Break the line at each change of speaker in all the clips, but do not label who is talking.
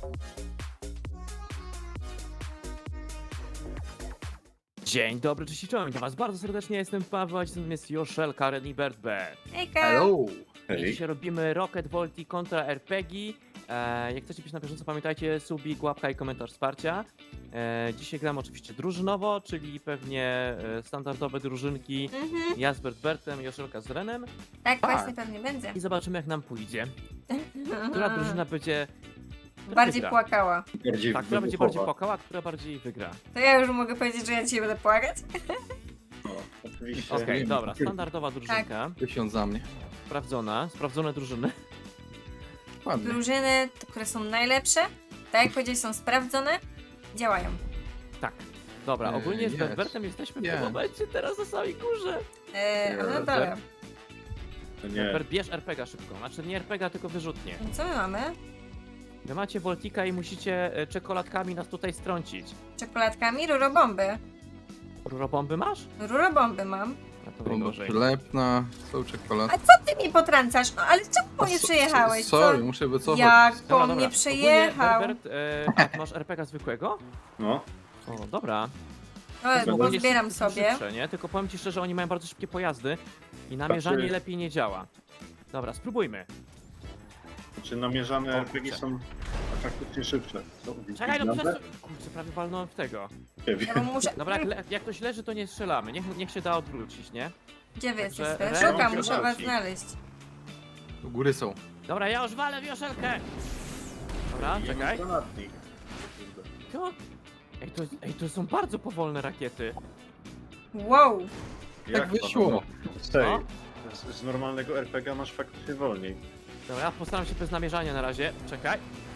Dzień dobry, cześć i czołem, witam was bardzo serdecznie, jestem Paweł, a dzisiaj jest Joszel, Karen i Bert B.
Hejka!
Hello!
I dzisiaj robimy Rocket Volti kontra RPG. Jak chcecie być na bieżąco, pamiętajcie, subik, łapka i komentarz wsparcia. Dzisiaj gram oczywiście drużynowo, czyli pewnie standardowe drużynki. Ja z Bertem, Joszelka z Renem.
Tak właśnie pewnie będzie.
I zobaczymy jak nam pójdzie. Która drużyna będzie...
Bardziej
wygra.
płakała.
Bardziej
Tak, która będzie bardziej płakała, która bardziej wygra.
To ja już mogę powiedzieć, że ja dzisiaj będę płakać?
Oczywiście.
Okej, dobra, standardowa drużynka.
Tysiąc za mnie.
Sprawdzone drużyny.
Ładnie.
Drużyny, które są najlepsze, tak jak powiedziałeś, są sprawdzone, działają.
Tak. Dobra, ogólnie z
Jest.
Bertem jesteśmy w
Jest.
tym momencie teraz na samej górze.
A na dole.
Nie.
Bert, bierz RPG szybko. Znaczy nie RPG, tylko wyrzutnie.
Co my mamy?
Wy macie Voltika i musicie czekoladkami nas tutaj strącić.
Czekoladkami? Rurobomby.
Rurobomby masz?
Rurobomby mam.
No to
Bomba
najgorzej.
przylepna, są czekolady.
A co ty mi potrącasz? No ale czemu po mnie przejechałeś?
Sorry,
Co?
muszę wycofać.
Jak po
Dobra,
mnie
dobra.
przejechał?
Ogólnie, Bert, masz RPG zwykłego?
No.
O, dobra.
O,
Ogólnie
pozbieram
są
sobie.
szybsze, nie? Tylko powiem ci szczerze, oni mają bardzo szybkie pojazdy i namierzanie
Znaczy-
lepiej nie działa. Dobra, spróbujmy.
Czy namierzane
O,
RPG
kurczę.
są faktycznie szybsze?
Czekaj, no przez... Kurczę, prawie walnąłem w tego.
Ja bo muszę...
Dobra, jak ktoś leży, to nie strzelamy. Niech się da odwrócić, nie?
Gdzie wy
Także
jesteście?
Ren-
Szukam, muszę was
Kierowcy.
znaleźć.
U góry są.
Dobra, ja już walę wioszelkę! Dobra, czekaj.
Granatnik.
To... Ej, to są bardzo powolne rakiety.
Wow!
Tak wyszło.
Stej,
No.
z normalnego RPG masz faktycznie wolniej.
Dobra, ja postaram się bez namierzania na razie. Czekaj.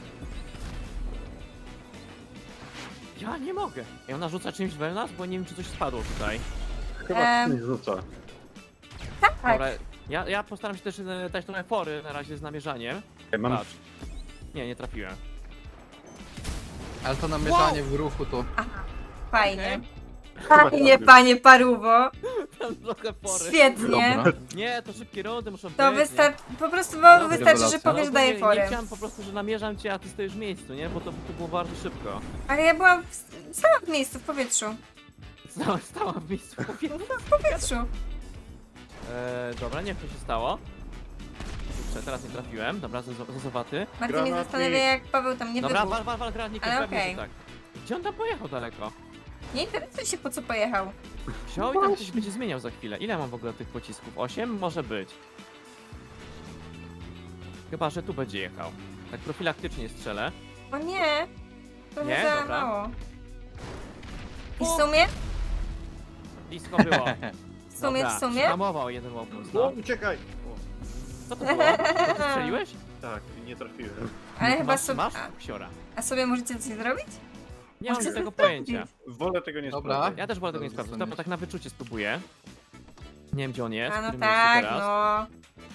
Ja nie mogę. Ej, ona rzuca czymś we nas, bo nie wiem, czy coś spadło tutaj.
Chyba coś rzuca.
Tak!
Dobra, ja postaram się też dać trochę fory na razie z namierzaniem.
Ej, mam
Patrz. Nie trafiłem.
Ale to namierzanie w ruchu to...
Fajnie.
Chyba
Fajnie,
tak.
panie Paruwo.
Tam trochę fory.
Świetnie.
Dobra.
Nie, to szybkie rundy muszą
To
być. nie?
wystarczy, po prostu
No,
wystarczy, że
rewelacja.
powiesz, że daję
Nie
forę.
chciałem po prostu, że namierzam cię, a ty stoisz w miejscu, nie? Bo to było bardzo szybko.
Ale ja byłam sama w miejscu, w powietrzu.
Stała w miejscu.
W powietrzu.
Dobra, nie wiem co się stało. Kurczę, teraz nie trafiłem. Dobra, zazowaty.
Bardziej mnie
Granatnik.
zastanawia, jak Paweł tam nie
Dobra,
wybuchł.
wal granatnik,
Ale
pewnie,
okej.
że tak. Gdzie on tam pojechał daleko?
Nie interesuje się, po co pojechał.
Wziął i tam coś będzie zmieniał za chwilę. Ile mam w ogóle tych pocisków? 8? Może być. Chyba, że tu będzie jechał. Tak profilaktycznie strzelę.
O nie! Trochę
Nie?
za
Dobra.
mało. I w sumie?
Blisko było.
W sumie?
Hamował jeden łopus,
O,
no.
uciekaj!
Co to było? To ty strzeliłeś?
Tak, nie trafiłem.
Ale chyba
masz,
sobie...
masz? Ksiora.
A sobie możecie coś zrobić?
Nie mam
Może
tego
zostawić.
pojęcia.
Wolę tego nie
Dobra.
sprawdzać.
Ja też wolę tego nie
To
sprawdzić.
zostaniesz.
Dobra, tak na wyczucie spróbuję. Nie wiem gdzie on jest.
A
w
no
którym
tak,
miejscu teraz.
no.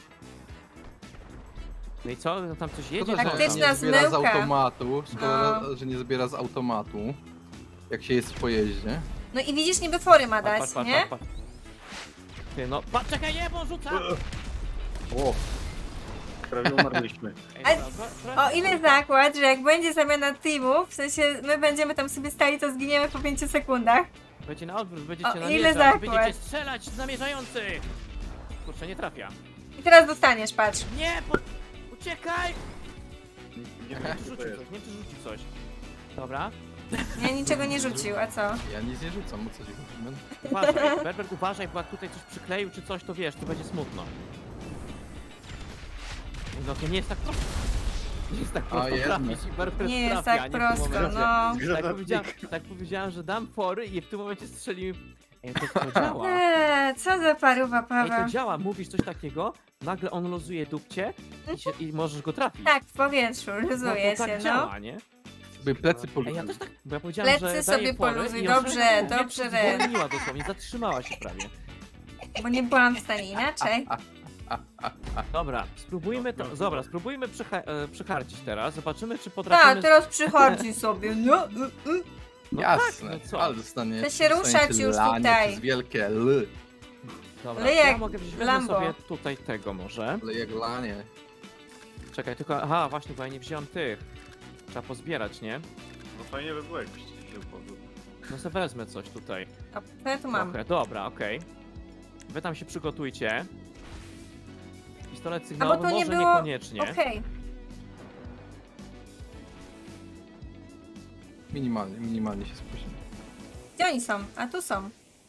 No i co? No tam coś jedzie?
Szkoda,
Co
że
tam?
Taktyczna
nie zbiera z
zmyłka.
automatu. Szkoda,
No.
że nie zbiera z automatu. Jak się jest w pojeździe.
No i widzisz, niby fory ma dać, nie?
Patrz. Ty, no, czekaj, nie, bo on rzuca!
O, prawie umarliśmy.
Ej,
Ale-
dobra,
O ile zakład, że jak będzie zamiana teamów, w sensie my będziemy tam sobie stali, to zginiemy po 5 sekundach.
Będzie na odwrót, będziecie
O, ile
namierzać,
zakład?
będziecie strzelać z namierzający! Kurczę, nie trafia.
I teraz dostaniesz, patrz.
Nie, uciekaj!
Nie
Nie
wiem,
wiem, czy
co to
rzucił
jest.
coś, nie wiem, czy rzucił coś. Dobra,
Ja niczego nie rzucił, a co?
Ja nic nie rzucam, o co ci chodzi?
uważaj, Berbert, uważaj, bo jak tutaj coś przykleił czy coś, to wiesz, to będzie smutno. No to nie jest tak prosto. Nie jest tak prosto
jednak.
trafić i Berbert
Nie jest
trafia,
tak
nie w tym
prosto,
momencie.
no.
Tak powiedziałem, że dam fory i w tym momencie strzelimy. Ej, to działa.
Co za paruwa,
Ej, to
Paweł.
działa, mówisz coś takiego, nagle on luzuje dupcie i możesz go trafić.
Tak, w powietrzu, luzuje
to tak
się, no.
działa, nie?
By plecy
Ej,
polubiły.
ja też tak, bo ja powiedziałem,
Plecy
że
sobie
daję fory
poluzuj,
i
dobrze,
ona
dobrze, Ren.
zwolniła dosłownie, zatrzymała się prawie.
Bo nie byłam w stanie inaczej.
Dobra, spróbujmy to, dobra, spróbujmy przycharcić teraz, zobaczymy czy potrafimy...
Tak, teraz przychodzi sobie, no.
No
Jasne,
tak, no co?
ale dostanie...
To się ruszać
dostaniecie
już
lanie
tutaj.
Przez wielkie L.
Dobra,
Ale
ja
jak
mogę wziąć
Lambo.
sobie tutaj tego może.
Ale jak lanie.
Czekaj, tylko, aha, właśnie, bo ja nie wziąłem tych. Trzeba pozbierać, nie?
No fajnie by było, jakbyście się upodł.
No se wezmę coś tutaj.
A to ja tu mam.
Trochę, dobra, okej. Wy tam się przygotujcie. Pistolet
A
sygnałowy
bo to nie
może
było...
niekoniecznie.
Okej.
Minimalnie się spóźniłem.
Gdzie oni są? A tu są.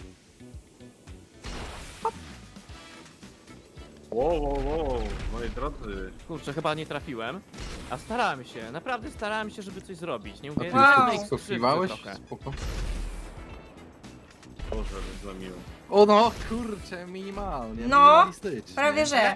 Wow, moi drodzy.
Kurczę, chyba nie trafiłem. A starałem się, naprawdę starałem się, żeby coś zrobić. Nie
A
mówię,
ty
Wow.
żadnej
wow.
skrzywdy
skokiwałeś?
trochę.
Spoko.
Boże, zlamiłem.
O no, kurczę, minimalnie,
No,
minimalistycznie.
Prawie że.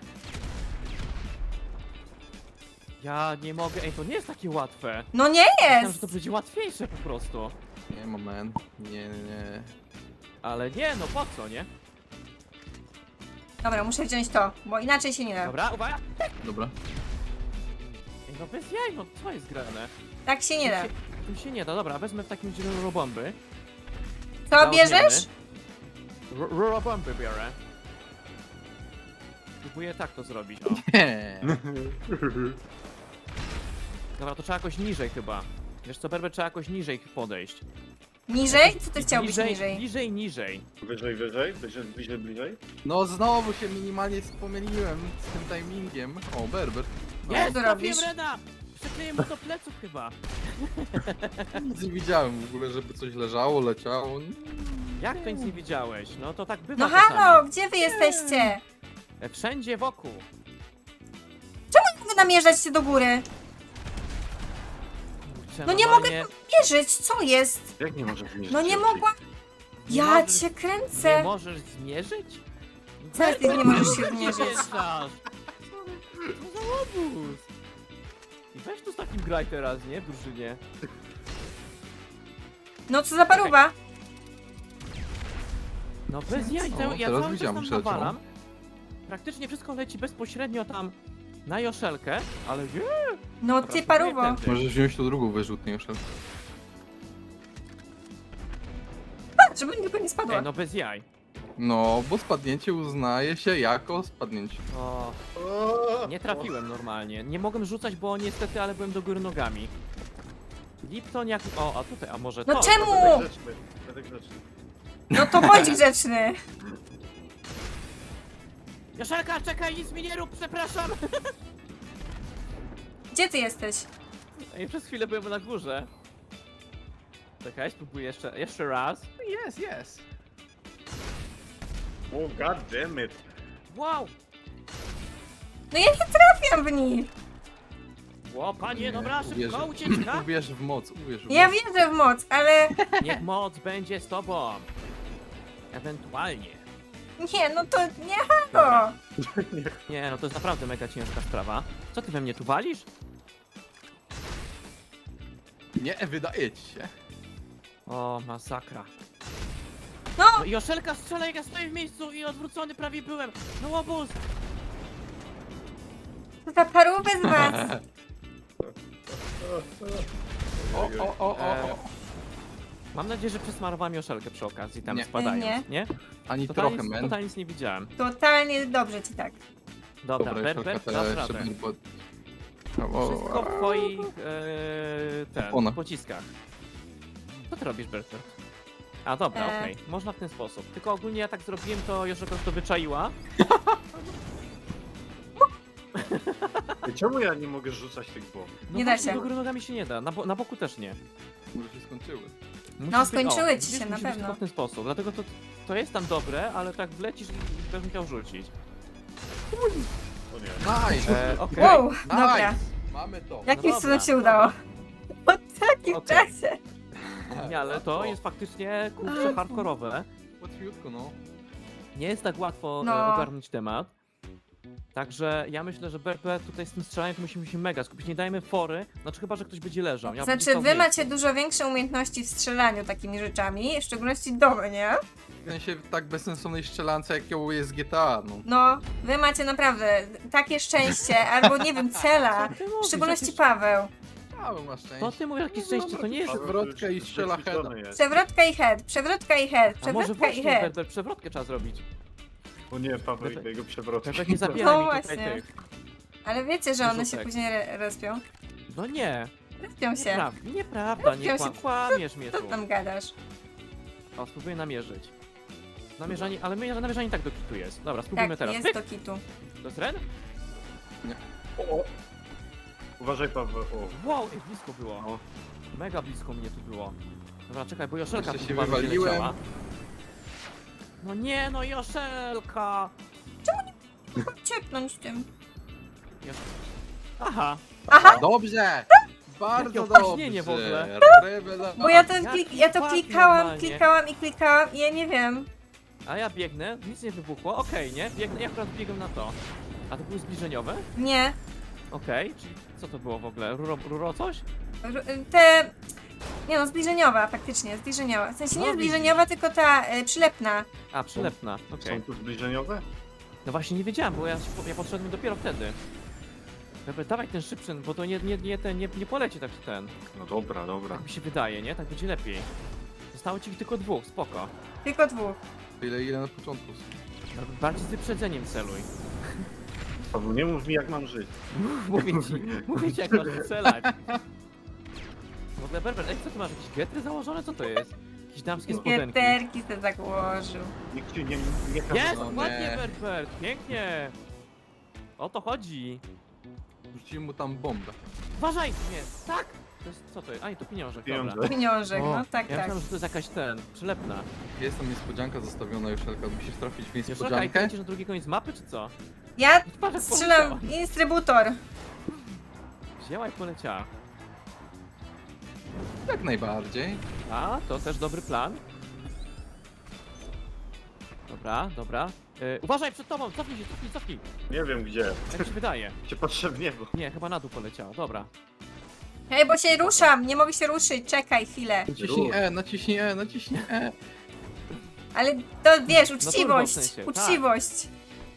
Ja nie mogę, ej, to nie jest takie łatwe.
No nie
Myślałem, że
jest!
to będzie łatwiejsze po prostu.
Nie, moment. Nie.
Ale nie, no po co, nie?
Dobra, muszę wziąć to, bo inaczej się nie da.
Dobra, uwaga!
Dobra.
Ej, no bez jaj, no co jest grane?
Tak się nie da.
Tym się nie da, dobra, wezmę w takim razie rurobomby.
Co bierzesz?
Rurobomby biorę. Próbuję tak to zrobić, o.
Nie.
Dobra, to trzeba jakoś niżej chyba. Wiesz co, Berber, trzeba jakoś niżej podejść.
Niżej? Co ty chciałbyś niżej?
Niżej.
Wyżej? Bliżej?
No znowu się minimalnie pomyliłem z tym timingiem. O, Berber. No,
Jest,
co
trafiłem
robisz?
Reda! Przykleję mu do pleców chyba.
nic nie widziałem w ogóle, żeby coś leżało, leciało.
Jak to nic nie widziałeś? No to tak bywa
No
czasami.
halo, gdzie wy jesteście?
Wszędzie wokół.
Wy namierzać do góry.
Kurczę,
No nie
normalnie
Mierzyć, co jest?
Jak nie możesz zmierzyć?
No nie
szybciej?
mogłam.
Nie
Ja
możesz-
cię
Nie
kręcę.
możesz zmierzyć?
Co ty nie możesz się
Nie
zmierzyć?
wjeżdżasz? Co za łobuz? I weź tu z takim graj teraz, nie? W drużynie.
No co za paruwa?
No bez jaj,
O,
ja
teraz
cały czas
widziałem,
tam
przeleciał.
nawalam. Praktycznie wszystko leci bezpośrednio tam na Joszelkę, ale nie.
No
Dobra,
ty paruwo.
spróbuję tędy.
Możesz wziąć tu drugą wyrzutnię już.
Żeby tylko nie spadła.
Ej, no bez jaj.
No, bo spadnięcie uznaje się jako spadnięcie.
O, nie trafiłem normalnie. Nie mogłem rzucać, bo niestety, ale byłem do góry nogami. Lipton jak... O, a tutaj, a może
No
to?
czemu?
Będę grzeczny.
No to bądź grzeczny.
Joszelka, czekaj, nic mi nie rób, przepraszam!
Gdzie ty jesteś?
Ej, przez chwilę byłem na górze. Czekaj, spróbuję jeszcze raz.
Yes.
Oh god damn it.
Wow!
No ja nie trafiam w nich.
Ło, panie, dobra, szybko,
Uwierzę.
ucieczka!
Uwierz w moc, uwierz w
Ja
moc.
wierzę w moc, ale...
Niech moc będzie z tobą. Ewentualnie.
Nie, no to nie halo.
Nie, no to jest naprawdę mega ciężka sprawa. Co ty we mnie tu walisz?
Nie, wydaje ci się.
O, masakra.
No,
No i Joszelka strzela, jak ja stoję w miejscu i odwrócony prawie byłem. No łobuz!
to za parówę z was.
O.
Mam nadzieję, że przesmarowałem Joszelkę przy okazji, tam
Nie.
spadając, nie?
Ani
Totalnie,
trochę, men.
totalnie nic nie widziałem.
Totalnie dobrze ci tak.
Dobra,
Dobra,
Berber,
Joszelka,
dasz
teraz
radę.
jeszcze
Wszystko w twoich
Ona.
pociskach. Co ty robisz, Berber? A dobra, okej, można w ten sposób. Tylko ogólnie ja tak zrobiłem, to Joszelka to wyczaiła.
Ej, czemu ja nie mogę rzucać tych bomb?
No
Nie da
właśnie,
się.
do góry nogami się nie da, na boku też nie.
Może się skończyły.
Musi
No,
być-
skończyły ci
widzisz,
się, na
musi być
pewno.
tylko w ten sposób, dlatego to jest tam dobre, ale tak wlecisz i będę chciał rzucić.
O nie.
Nice!
Okej.
Wow,
Nice!
dobra.
Mamy to.
Jakimś
dobra,
cudem się udało. Po takim
Okej.
czasie.
Nie, ale to jest faktycznie kurczę hardkorowe.
Łatwiutko, no.
Nie jest tak łatwo
No.
ogarnąć temat. Także ja myślę, że Berber tutaj z tym strzelaniem to musimy się mega skupić. Nie dajmy fory, znaczy chyba, że ktoś będzie leżał. Ja będę
Znaczy,
stał w
wy
miejscu.
macie dużo większe umiejętności w strzelaniu takimi rzeczami, w szczególności domy, nie?
W sensie tak bezsensownej strzelance, jaką jest GTA, no.
No, wy macie naprawdę takie szczęście, albo nie wiem, cela.
Co ty
W
mówisz?
szczególności
Jakieś-
Paweł.
Paweł ma szczęście.
To ty mówisz jakieś szczęście, to nie jest...
Przewrotka i strzela
Wyćwiczony jest.
Przewrotka i head, przewrotka i head,
A może
przewrotka i
właśnie,
head.
Berber, przewrotkę trzeba zrobić.
O nie, Paweł i tego przewrotu.
Berber, nie zabieraj
No
mi tutaj
właśnie.
tych.
Ale wiecie, że one się
Wyrzutek.
później respią?
No nie.
Respią się.
Nieprawda, nie
Respią się.
kłamiesz mnie
Co
tu.
tam gadasz?
O, spróbuję namierzyć. Namierzanie, ale namierzanie tak do kitu jest. Dobra, spróbujmy
Tak,
teraz.
jest
Pyk!
do kitu.
To jest Ren?
O. Uważaj, Paweł. O.
Wow, ej, blisko było.
O.
Mega blisko mnie tu było. Dobra, czekaj, bo Joszelka
Jeszcze
tu
się
chyba będzie
wywaliłem.
leciała. No nie, no Joszelka!
Ciepnąć tym.
Aha,
Aha!
Dobrze! Bardzo
Jakie
dobrze!
opóźnienie w ogóle.
Rewelacja.
Bo ja to,
Jaki
ja to
płat
klikałam
normalnie.
i ja nie wiem.
a ja biegnę, nic nie wybuchło, okej, nie? Biegnę, ja akurat biegłem na to. A to były zbliżeniowe?
Nie.
Okej, czyli co to było w ogóle? Ruro coś?
Te... Nie no, zbliżeniowa faktycznie, zbliżeniowa. W sensie
No,
nie zbliżeniowa, tylko ta przylepna.
A, przylepna, okej.
Są tu zbliżeniowe?
No właśnie nie wiedziałem, bo ja podszedłem dopiero wtedy. Dobra, dawaj ten szybszy, bo to nie poleci tak ten.
No dobra, dobra.
Tak mi się wydaje, nie? Tak będzie lepiej. Zostało ci tylko dwóch, spoko.
Tylko dwóch.
Ile na początku.
Bardziej z wyprzedzeniem celuj.
Paweł, nie mów mi jak mam żyć.
Mówię ci jak masz strzelać. W ogóle Berber, ej, co ty masz? Jakieś getry założone? Co to jest? Jakieś damskie spodenki?
Gieterki se założył.
Nikt ci nie każe.
Jest!
No
Ładnie,
nie.
Berber! Pięknie! O to chodzi!
Rzuciłem mu tam bombę.
Uważaj! Nie, tak! To jest, co to jest? A nie, to pieniążek,
Pieniądze.
dobra.
Pieniążek,
O,
no tak,
Ja
tak.
myślałem, że to jest jakaś przylepna.
Jest tam niespodzianka zostawiona, Joszelka. Musisz trafić w
Joszelka, i
niespodziankę.
kręcisz na drugi koniec mapy, czy co?
Ja
Patrz, jak
strzelam
poleciała.
instrybutor.
Wzięła i poleciała.
Jak najbardziej.
A, to też dobry plan. Dobra, dobra. Uważaj przed tobą! Cofnij się, cofnij!
Nie wiem gdzie.
Jak ci wydaje?
Cię patrzę w niebo.
Nie, chyba na dół poleciała, dobra.
Hej, bo się ruszam, nie mogę się ruszyć, czekaj chwilę.
Naciśnij E, naciśnij E, naciśnij E.
Ale to wiesz,
turbo w
uczciwość,
sensie, tak.
uczciwość,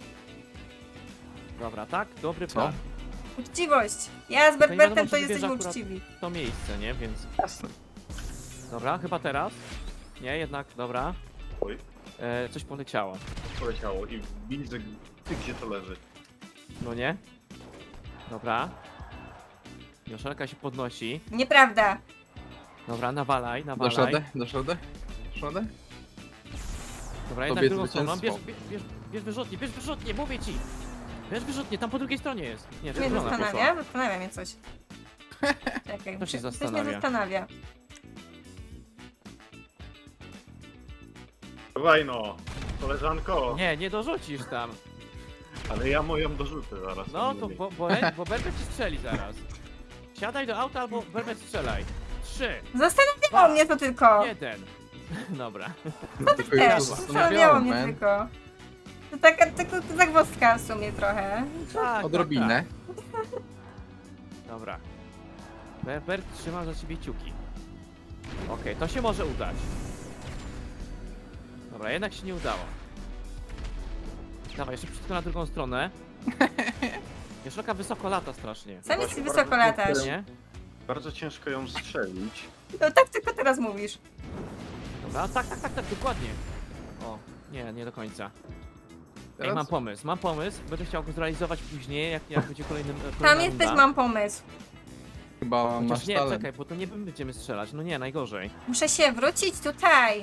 Dobra, tak? Dobry
Co?
plan.
uczciwość. Ja z
Tylko nie
Berbertem
wiadomo,
to
czy wybierze
jesteśmy
akurat-
uczciwi.
To miejsce, nie? Więc...
Jasne.
Dobra, chyba teraz. Nie, jednak, dobra.
Oj,
Coś poleciało.
poleciało i widzę ty gdzie to leży.
No nie? Dobra. Joszelka się podnosi.
Nieprawda.
Dobra, nawalaj,
Dasz
nawalaj.
radę? Dasz radę? Dasz radę?
Dobra, jednak
Tobie
drugą stroną. Bierz,
zwycięstwo.
bierz wyrzutnie, mówię ci! Bierz wyrzutnie, tam po drugiej stronie jest. Nie,
Mnie
czerwona poszła.
zastanawia mnie coś. Czekaj,
To się
coś
zastanawia.
mnie zastanawia.
Dawaj no, koleżanko.
Nie, nie dorzucisz tam.
Ale ja moją dorzucę zaraz.
No to, bo Berbet ci strzeli zaraz. Siadaj do auta albo Berbet strzelaj. 3,
Zastanawiało mnie to tylko.
1. Dobra.
Tylko
Też,
już
zastanawiało mnie
man.
tylko. To taka zagwozdka w sumie trochę.
Tak,
Odrobinę.
tak. Dobra. Berbert trzyma za ciebie kciuki. Okej, to się może udać. Dobra, jednak się nie udało. Dawaj, jeszcze wszystko na drugą stronę. Joszelka wysoko lata strasznie.
Sam jest
Właśnie
wysoko
bardzo
latasz.
Nie?
Bardzo ciężko ją strzelić.
No tak tylko teraz mówisz.
Dobra, tak, dokładnie. O, nie do końca. Ej,
Teraz?
mam pomysł. Będę chciał go zrealizować później, jak będzie kolejny.
Tam
kolejna
jesteś,
runda.
mam pomysł.
Chyba masz
Chociaż nie,
talent.
czekaj, bo to nie będziemy strzelać. No nie, najgorzej.
Muszę się wrócić tutaj.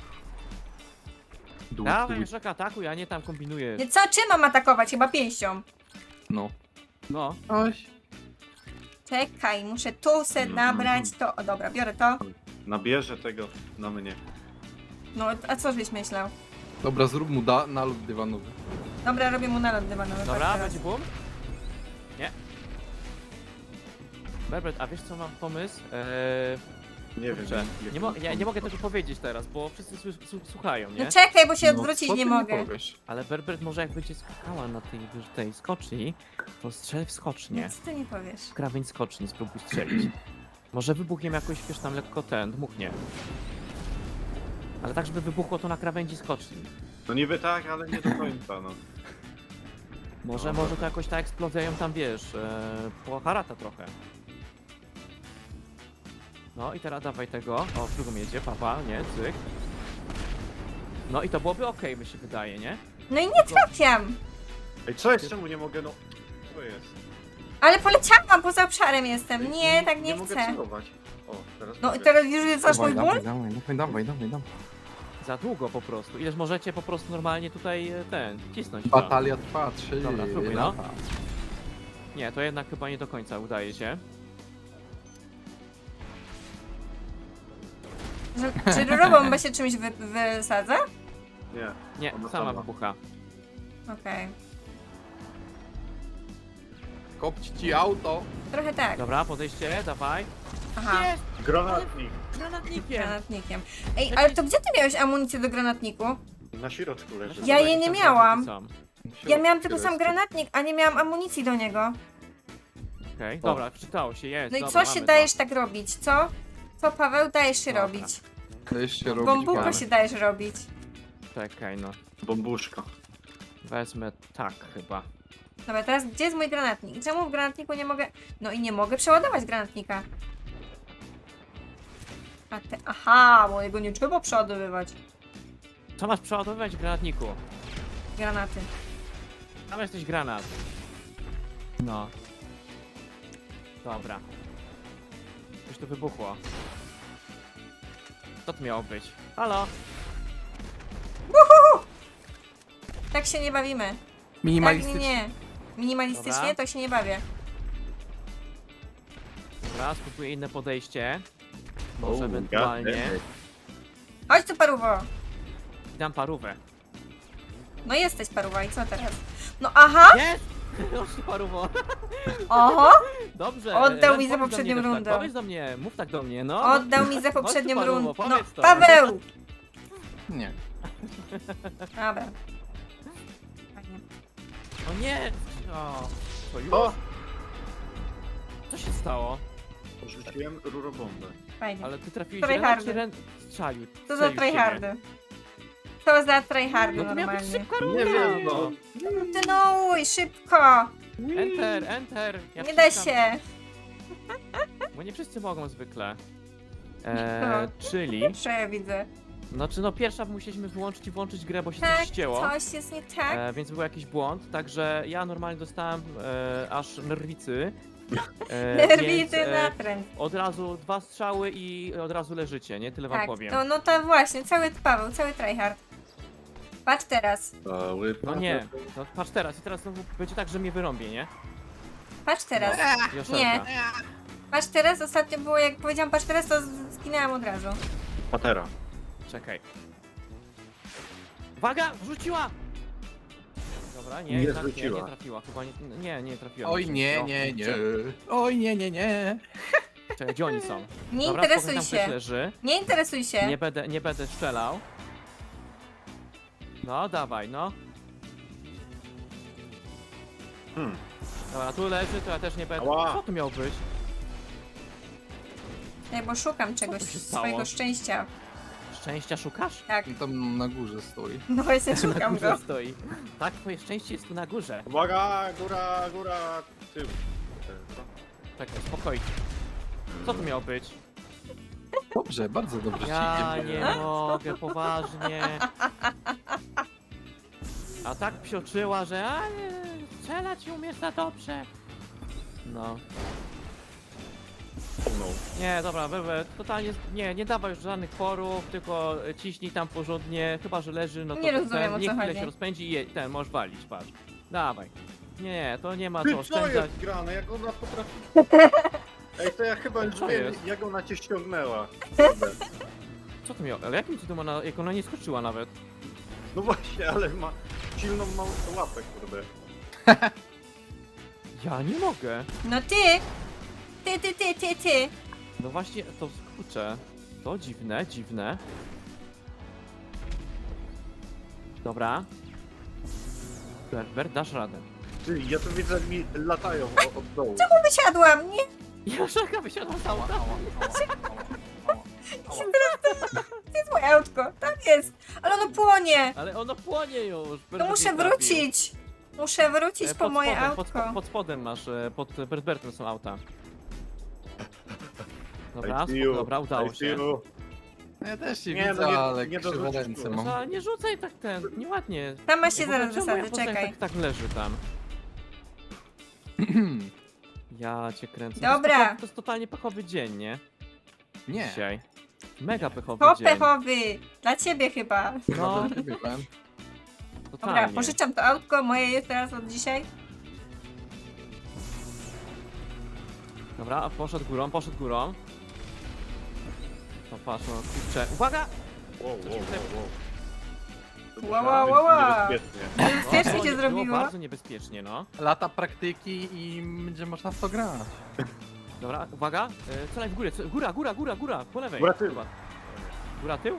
Dół,
Dawaj,
dół.
Joszelka, atakuj, a nie tam kombinujesz.
Nie, co, czym mam atakować? Chyba pięścią.
No.
No,
Oś.
Czekaj, muszę tu se nabrać to. O dobra, biorę to.
Nabierze tego na mnie.
No, a co żeś myślał?
Dobra, zrób mu nalot dywanowy.
Dobra, robię mu nalot dywanowy.
dobra,
patrz
będzie boom? Nie. Berbert, a wiesz co mam pomysł?
Nie wiem.
Kurczę, ja nie mogę tego powiedzieć teraz, bo wszyscy słuchają, nie?
No czekaj, bo się
No,
odwrócić
co
nie
ty
mogę.
powiesz?
Ale Berbert może jak będzie skakała na tej skoczni, to strzel w skocznię.
Nic ty nie powiesz.
W krawędź skoczni spróbuj strzelić. Może wybuchiem jakoś, wiesz, tam lekko dmuchnie. Ale tak, żeby wybuchło to na krawędzi skoczni.
No niby tak, ale nie do końca, no.
Może to jakoś ta eksplozja ją tam, wiesz, poharata trochę. No i teraz dawaj tego. O, w drugą jedzie, papa, nie, cyk. No i to byłoby okej, mi się wydaje, nie?
No i nie trafiam.
Ej, co jest? Czemu nie mogę, no? Co jest?
Ale poleciałam, poza obszarem jestem. Nie, tak nie
mogę
chcę.
celować. O, teraz
No i
mogę.
teraz już znasz mój ból?
Dawaj.
Za długo po prostu. Ileż możecie po prostu normalnie tutaj cisnąć. to.
Batalia trwa 3
Dobra, spróbuj, no.
lata.
Nie, to jednak chyba nie do końca udaje się.
Czy rurową bombę się czymś wysadza?
Nie.
Nie,
Ona
sama
sama.
wybucha.
Okej.
Kopć ci auto.
Trochę tak.
Dobra, podejście, dawaj.
Aha.
Jest!
Granatnik.
Granatnikiem!
Granatnikiem. Ej, ale to gdzie ty miałeś amunicję do granatniku?
Na środku leży.
Ja jej nie miałam.
Są.
Ja miałam tylko sam granatnik, a nie miałam amunicji do niego.
Okej, dobra, wczytało się, jest.
No i
dobra,
co się
mamy
dajesz tak robić, co? Co, Paweł, dajesz się
Dobra.
robić?
To jeszcze robić
Bambuko
mamy.
się dajesz robić.
To. Czekaj, no.
Bombuszka.
Wezmę tak chyba.
Dobra, teraz gdzie jest mój granatnik? Czemu w granatniku nie mogę... No i nie mogę przeładować granatnika. Aha, bo jego nie trzeba przeładowywać.
Co masz przeładowywać w granatniku?
Granaty.
Tam jesteś granat. No. Dobra. Coś tu wybuchło. Co to miało być? Halo?
Tak się nie bawimy. Tak,
Minimalistycznie.
nie. Minimalistycznie
Dobra.
to się nie bawię.
Dobra, spróbuję inne podejście.
O,
Może ewentualnie.
goddammit.
Chodź tu, paruwo.
Dam parówę.
No jesteś paruwa i co teraz? No aha!
Jest! Już paruwo.
Oho!
Dobrze.
Oddał
Ren,
mi za
powiedz do
poprzednią
mnie też
rundą.
Tak. Powiedz do mnie, mów tak do mnie, no.
Oddał mi za
Chodź tu,
poprzednią
paruwo,
rundę. No,
powiedz to.
Paweł!
Nie.
Dobra. Fajnie.
O nie! O, to już?
O!
Co się stało?
Rzuciłem rurobombę.
Fajnie.
Ale ty trafiłeś
Tryhardy.
Rena, czy Ren strzelił?
Co za
Strzelił w ciebie?
tryhardy? Co za tryhardy
No to miała być
normalnie?
szybka runda.
Nie wiem, no.
Kontynuuj, szybko!
Enter, enter. Ja
Nie da
wciskam,
się.
Bo nie wszyscy mogą zwykle.
No.
Czyli,
Prze widzę.
znaczy no pierwsza musieliśmy wyłączyć i włączyć grę, bo się
Tak,
coś ścięło.
coś jest nie tak.
Więc był jakiś błąd, także ja normalnie dostałem aż nerwicy.
Nerwicy
więc,
na trend.
od razu 2 strzały i od razu leżycie, nie? Tyle wam
Tak,
powiem.
to no to właśnie, cały Paweł, cały tryhard. Patrz teraz,
Cały
No nie, no patrz teraz i teraz znowu będzie tak, że mnie wyrąbie, nie?
patrz teraz.
Joszelka.
Nie. Patrz teraz, ostatnio było jak powiedziałam patrz teraz, to zginęłam od razu.
Patera.
Czekaj. Uwaga! Wrzuciła! Dobra, nie,
Nie
jednak
zwróciła.
nie trafiła. Chyba nie trafiła.
Oj nie, nie, nie. Oj nie, nie, nie.
Czekaj, gdzie oni są?
Nie
Dobra,
interesuj
spokojnie, tam ktoś
się.
leży.
Nie interesuj się.
Nie będę strzelał. No, dawaj, no. Dobra, tu leży, to ja też nie będę.
Ała.
Co to miało być?
Ej, bo szukam czegoś,
tu się stało?
swojego szczęścia.
Szczęścia szukasz?
Tak,
Tam na górze stoi.
no właśnie
Na
szukam
górze
go.
stoi. Tak, twoje szczęście jest tu na górze.
Uwaga, góra, tył.
Czekaj, spokojnie. Co to miało być?
Dobrze, bardzo dobrze
Ja
ci idzie.
nie mogę, poważnie. A tak psioczyła, że a nie, strzelać umiesz za dobrze. No.
No.
Nie, dobra, Wewe, totalnie, nie dawaj już żadnych forów, tylko ciśnij tam porządnie, chyba że leży, no to
Nie rozumiem, o
niech
co
chwilę
chodzi.
się rozpędzi i ten, możesz walić, patrz. Dawaj. Nie, to nie ma
Ty,
co
co
oszczędzać.
jest grane? Jak ona potrafi... Ej, to ja chyba już
Co
wiem,
jest?
jak ona cię ściągnęła.
Co to miało? Ale jakim cudem ona, jak ona nie skoczyła nawet?
No właśnie, ale ma silną małą łapę, kurde.
Ja nie mogę.
No ty.
No właśnie, to skurczę. To dziwne, dziwne. Dobra. Berbert, dasz radę.
Ty, ja tu widzę, jak mi latają od dołu.
Wysiadłam, nie?
Joszelka wysiadła z auta.
To jest moje autko, tak jest. Ale ono płonie.
Ale ono płonie już.
To
Berbert
muszę
nie trafił.
wrócić. Muszę wrócić po
Pod
moje
spodem,
autko.
pod spodem masz, pod Berbertem są auta. Dobra,
I see you.
dobra, udało
I see
się.
you.
Ja też cię
Nie,
widzę,
no nie-
ale
nie
krzywe
dorzucisz
ręce
tu.
mam.
A, nie rzucaj tak nieładnie.
Tam masz się
W ogóle
zaraz
czemu moja
wysadzę,
postać
czekaj.
tak leży tam. Ja cię kręcę.
Dobra.
To jest totalnie pechowy dzień, nie?
Nie.
Dzisiaj. Mega pechowy
To
dzień.
pechowy! Dla ciebie chyba.
No,
Dla ciebie, Ben.
Dobra,
totalnie.
pożyczam to autko, moje jest teraz od dzisiaj.
Dobra, poszedł górą, poszedł górą. To patrz, no kurczę. Uwaga!
Wow, wow, wow, wow.
Wow, wow, wow, wow.
Niebezpiecznie.
Bezpiecznie
było-
się zrobiło.
Było bardzo niebezpiecznie, no.
Lata praktyki i będzie można w to grać.
Dobra, uwaga. Celaj w górę, góra, po lewej.
Góra, tył.
Chyba. Góra, tył?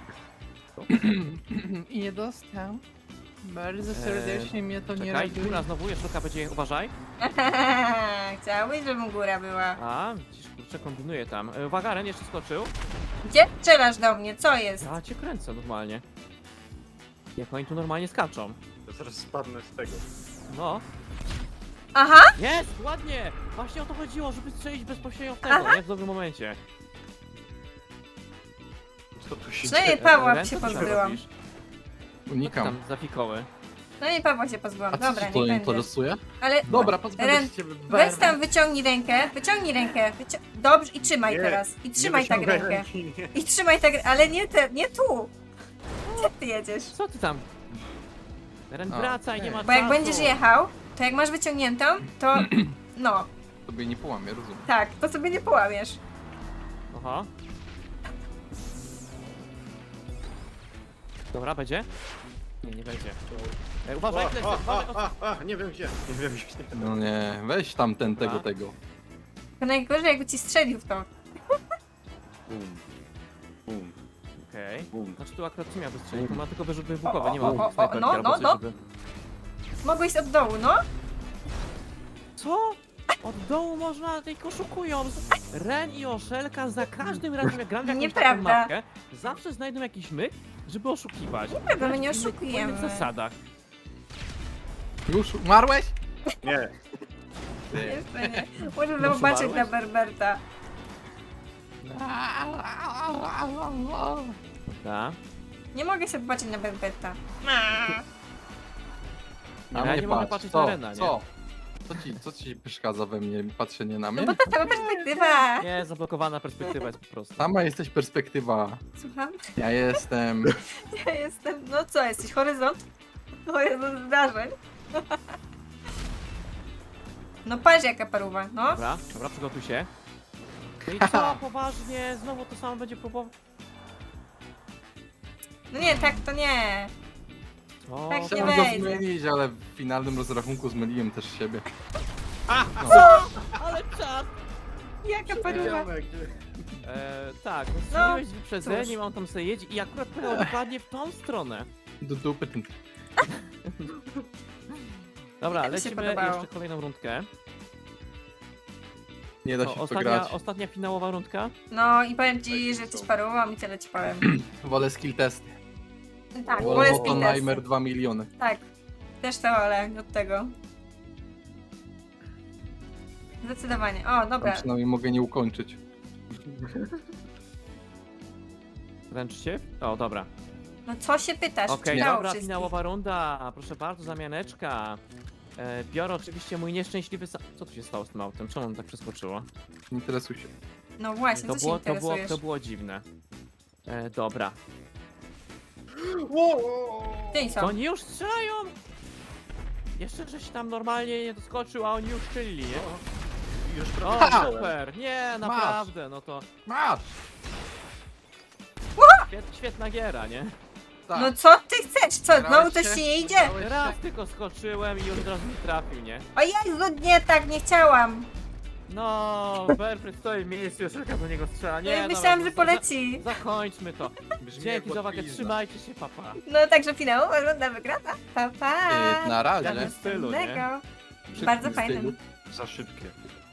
I nie dostał. Bardzo serdecznie mnie to nie
Czekaj,
robi.
góra znowu, jeszcze będzie, uważaj.
Chciałbyś, żeby góra była.
A, widzisz, kurczę, kombinuje tam. Uwaga, Ren jeszcze skoczył.
Gdzie strzelasz do mnie? Co jest?
Ja cię kręcę normalnie. Jak oni tu normalnie skaczą.
Ja zaraz spadnę z tego.
No.
Aha!
Jest! Ładnie! Właśnie o to chodziło, żeby strzelić bezpośrednio w tego, nie? W dobrym momencie.
Co tu się
Przynajmniej
dzieje?
Pawła
Ren,
się
co ty tam
pozbyłam.
robisz? Co ty
Unikam.
tam za fikoły?
No i Pawła się pozbyłam.
A co
Dobra,
ci to
nie będzie.
interesuje?
Ale
Dobra, pozbędę
Ren,
się ciebie.
weź tam, wyciągnij rękę. Wyciągnij rękę. Dobrze, i trzymaj
Nie,
teraz. I
Nie
trzymaj tak
wyciągaj
rękę.
ręki, nie.
I trzymaj tak, ale nie tu. Gdzie ty jedziesz?
Co ty tam? Ren,
A,
wracaj, nie ma
Bo jak
czasu.
będziesz jechał, to jak masz wyciągniętą, to no,
Tobie nie połamię, rozumiem.
tak, to sobie nie połamiesz.
Aha. Dobra, będzie? Nie będzie. Uważaj, Klester, uważaj.
Nie wiem gdzie. Nie wiem gdzie.
No nie, weź tam
Dobra.
tego.
To najgorzej jakby ci strzelił w to.
Bum. Bum.
Okej.
Bum.
Znaczy tu akurat nie miał wystrzelić, to ma tylko wyrzuty wybuchowe, nie
o,
ma
o,
snajperki
no,
albo
no,
coś,
no.
żeby...
Mogłeś od dołu, no?
Co? Od dołu można, tylko oszukują. Ren i Oszelka za każdym razem jak gram w jakąś taką
Nieprawda.
mapkę, zawsze znajdą jakiś myk, żeby oszukiwać.
Nieprawda, my nie
Grać w innych-
oszukujemy.
W innych zasadach.
Już umarłeś?
Nie.
Jeszcze nie. Muszę
No,
zobaczyć na
umarłeś?
Berberta.
Da.
Nie mogę się popatrzeć na Berberta.
Na
Ja
mnie
nie mogę
patrz.
patrzeć
Co?
na Rena, nie?
Co? Co ci przeszkadza we mnie patrzenie na
No
mnie?
bo to sama perspektywa.
Nie, zablokowana perspektywa jest po prostu.
Sama jesteś perspektywa.
Słucham?
Ja jestem.
Ja jestem, no co, jesteś horyzont? Horyzont zdarzeń. No patrz jaka paruwa, no.
Dobra, dobra, przygotuj się. No i co, poważnie, znowu to samo będzie próbował.
No nie, tak to nie.
O,
Tak, nie
Chciałem go
wejdzie.
zmylić, ale w finalnym rozrachunku zmyliłem też siebie.
ale czad!
Jaka paruwa.
Tak, no
No,
strzeliłeś z wyprzedzeniem,
cóż.
on tam sobie jedzie i akurat pojechał dokładnie w tą stronę.
Do dupy ten.
Dobra,
Tak mi się
lecimy
podobało.
jeszcze kolejną rundkę.
Nie da
To
się w to grać.
ostatnia finałowa rundka.
No i powiem ci, że jesteś parową i tyle ci powiem.
Wolę skill testy.
Tak,
Wolę
wolę
Oppenheimer
spintersy.
2 miliony.
Tak, też to wolę od tego. Zdecydowanie. O,
Tam
dobra.
przynajmniej mogę nie ukończyć.
Wręczcie? O, dobra.
No co się pytasz?
Okej,
Czytało
dobra,
wszystkich.
finałowa runda. Proszę bardzo, zamianeczka. Biorę oczywiście mój nieszczęśliwy Co tu się stało z tym autem? Czemu on tak przeskoczyło?
Nie interesuj się.
No właśnie, co się interesujesz?
To było dziwne. Dobra.
Gdzie oni
To
są?
oni już strzelają! Jeszcze żeś tam normalnie nie doskoczył, a oni już strzelili, nie?
Już
O,
prawie
super! Nie, naprawdę, no to
Masz!
świetna giera, nie?
Tak.
No co ty chcesz? Co, znowu
Grałeś
coś
się?
ci nie idzie?
Grałeś się?
Raz tylko skoczyłem i już od razu mi trafił, nie?
O Jezu, nie tak, nie chciałam.
No, Berfred stoi w miejscu, już jaka do niego strzela.
No
Nie,
i
dobra,
myślałam,
no,
że poleci.
Zakończmy to.
Brzmi jak
Dzięki za uwagę,
łatwizna.
trzymajcie się, papa.
No także finałowa runda wygrana. Pa, pa.
Na
W
razie.
jakim stylu, nie?
Następnego.
Szybkim
Bardzo
stylu.
fajnym.
Za szybkie.